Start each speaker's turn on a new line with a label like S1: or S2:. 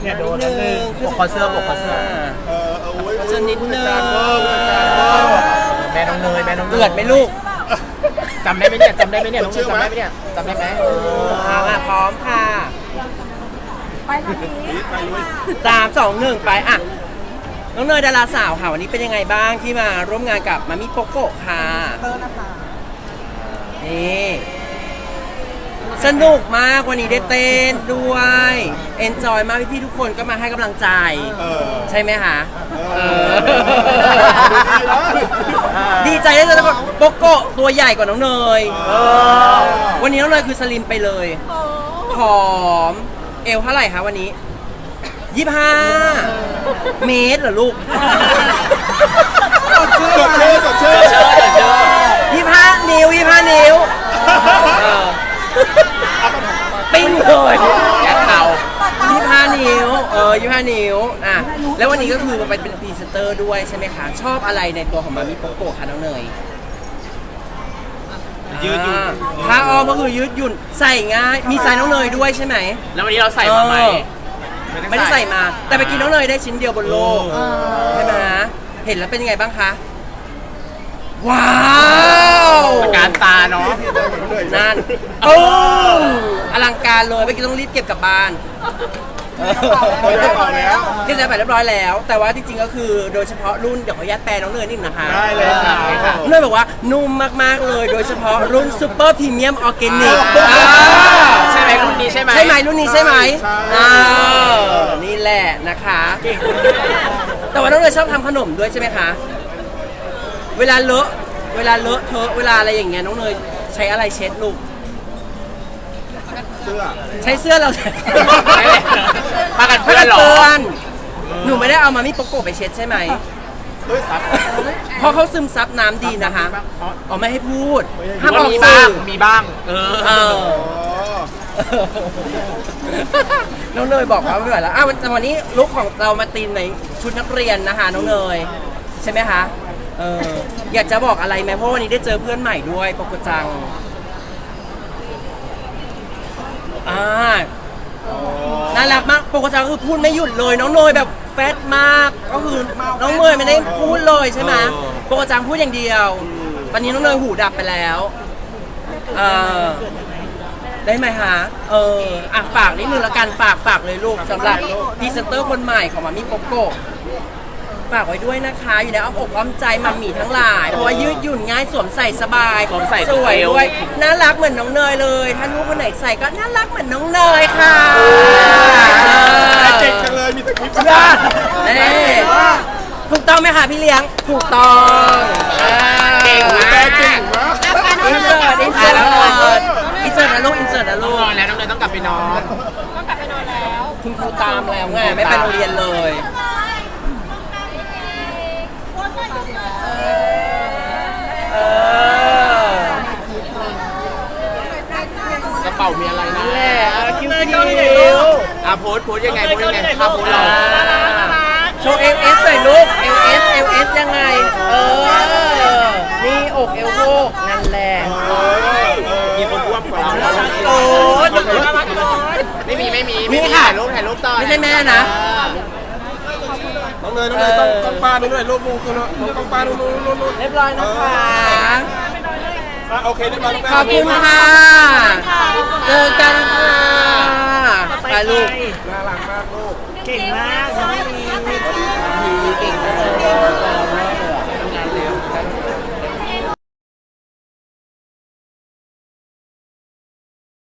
S1: เนี่ยโดนนิดนึงปกคอเสื้อปกคอเสื้อ
S2: เสื้อนิดนึง
S1: แม่น้องเนยแม่น้องเนย
S2: เกิดไหมลูก
S1: จำได้ไหมเนี่ยจำได้ไหมเนี่ยน้องเนยจำได้ไหมเนี่ยจำได้ไหม
S2: พร้อมค่ะ
S3: ไปทางนี้
S2: 3 2 1 ไปอ่ะน้องเนยดาราสาวค่ะวันนี้เป็นยังไงบ้างที่มาร่วมงานกับมามิโกโกะค่ะนี่สนุกมากวันนี้ได้เต้นด้วยเอนจอยมากพี่ๆทุกคนก็มาให้กำลังใจใช่ไหมคะดีใจได้เจอทุกคนโกโกะตัวใหญ่กว่าน้องเนยวันนี้น้องเนยคือสลิมไปเลยผอมเอวเท่าไหร่คะวันนี้25 เมตรเหรอลูก
S4: กดชื่
S2: 25 นิ้วปิ้งเลย
S1: แย่เข่า
S2: 25 นิ้ว25 นิ้วอ่ะแล้ววันนี้ก็คือมันเป็นพรีเซนเตอร์ด้วยใช่ไหมคะชอบอะไรในตัวของมามิโกโกะคะน้องเนย
S1: ยืดหยุ่น
S2: ผ้าอ้อมก็คือยืดหยุ่นใส่ง่ายมีไซส์น้องเนยด้วยใช่ไหม
S1: แล้ววันนี้เราใส่มาไหม
S2: ไม่ได้ใส่มาแต่ไปกินน้องเนยได้ชิ้นเดียวบนโลกใช่ไหมเห็นแล้วเป็นยังไงบ้างคะว้าว
S1: ตะการตาเนาะ
S2: นั่นโอ้อลังการเลยเมื่อกี้ต้องรีบเก็บกลับบ้านเก็บใส่ไปเรียบร้อยแล้ว แต่ว่าจริงๆก็คือโดยเฉพาะรุ่นเดี๋ยวขออนุญาตแปลน้องเนยนิดนะคะ
S4: ได้เลยค่ะ
S2: เนยบอกว่านุ่มมากๆเลยโดยเฉพาะรุ่นซูเปอร์พรีเมียมออร์แกนิก
S1: ใช่ไหมรุ่นนี้ใช่ไหม
S2: ใช่ไหมรุ่นนี้ใช่ไหมนี่แหละนะคะแต่ว่าน้องเนยชอบทำขนมด้วยใช่ไหมคะเวลาเลอะเทอะเวลาอะไรอย่างเงี้ยน้องเนยใช้อะไรเช็ดลูกใช้เสื้อเรา
S1: มากันเพื่อนหรอ
S2: หนูไม่ได้เอามามิโกโกะไปเช็ดใช่ไหมเพราะเขาซึมซับน้ำดีนะคะอ๋อไม่ให้พูดห้ามออกสื่อ
S1: มีบ้าง
S2: น้องเนยบอกว่าไม่ไหวแล้ววันนี้ลุคของเรามาตีนในชุดนักเรียนนะคะน้องเนยใช่ไหมคะอยากจะบอกอะไรไหมเพราะวันนี้ได้เจอเพื่อนใหม่ด้วยปกจังน่ารักมากปกติคือพูดไม่หยุดเลยน้องเนยแบบแฟตมากก็คือน้องเนยไม่ได้พูดเลยใช่ไหมปกติพูดอย่างเดียวตอนนี้น้องเนยหูดับไปแล้วได้ไหมคะฝากนิดนึงละกันฝากเลยลูกสำหรับพรีเซนเตอร์คนใหม่ของมามิโกโกะฝากไว้ด้วยนะคะอยู่ในอ้อมอกอ้อมใจมัมมี่ทั้งหลายเพราะว่ายืดหยุ่นง่ายสวมใส่สบายสวยด้วยน่ารักเหมือนน้องเนยเลยถ้าลูกคนไหนใส่ก็น่ารักเหมือนน้องเนยค่ะ
S4: เก่งจังเลยมีสคริปต์
S2: ถูกต้องไหมคะพี่เลี้ยงถูกต้อง
S1: เก่งมาก
S2: อินเสิร์ตนะลูกอินเสิร์ตนะลูก
S1: แล้วน้องเนยต้องกลับไปนอน
S3: แล้ว
S2: คุณครูตามแล้วไงไม่ไปโรงเรียนเลย
S1: กระเป๋ามีอะไรนะ
S2: คิ้ว
S1: โพสยังไงภาพโพสเรา
S2: โชว์ LS หน่อยลูก LS ยังไงนี่อกเอวโพกนั่นแหละ
S1: มีคนอ้วนกว่าเราไม่มีถ่ายรูปต่อ
S2: ไม่ใช่แม่นะ
S4: น้องเนยต้องปาดูด้วยรูปมูคือต้องปาดู
S2: เรียบร้อยนะคะ
S4: โอเคเรียบร้อย
S2: ขอบคุณค่ะเจอกันค่ะไปลูก
S4: น่ารักมากลูก
S3: เก่งมาก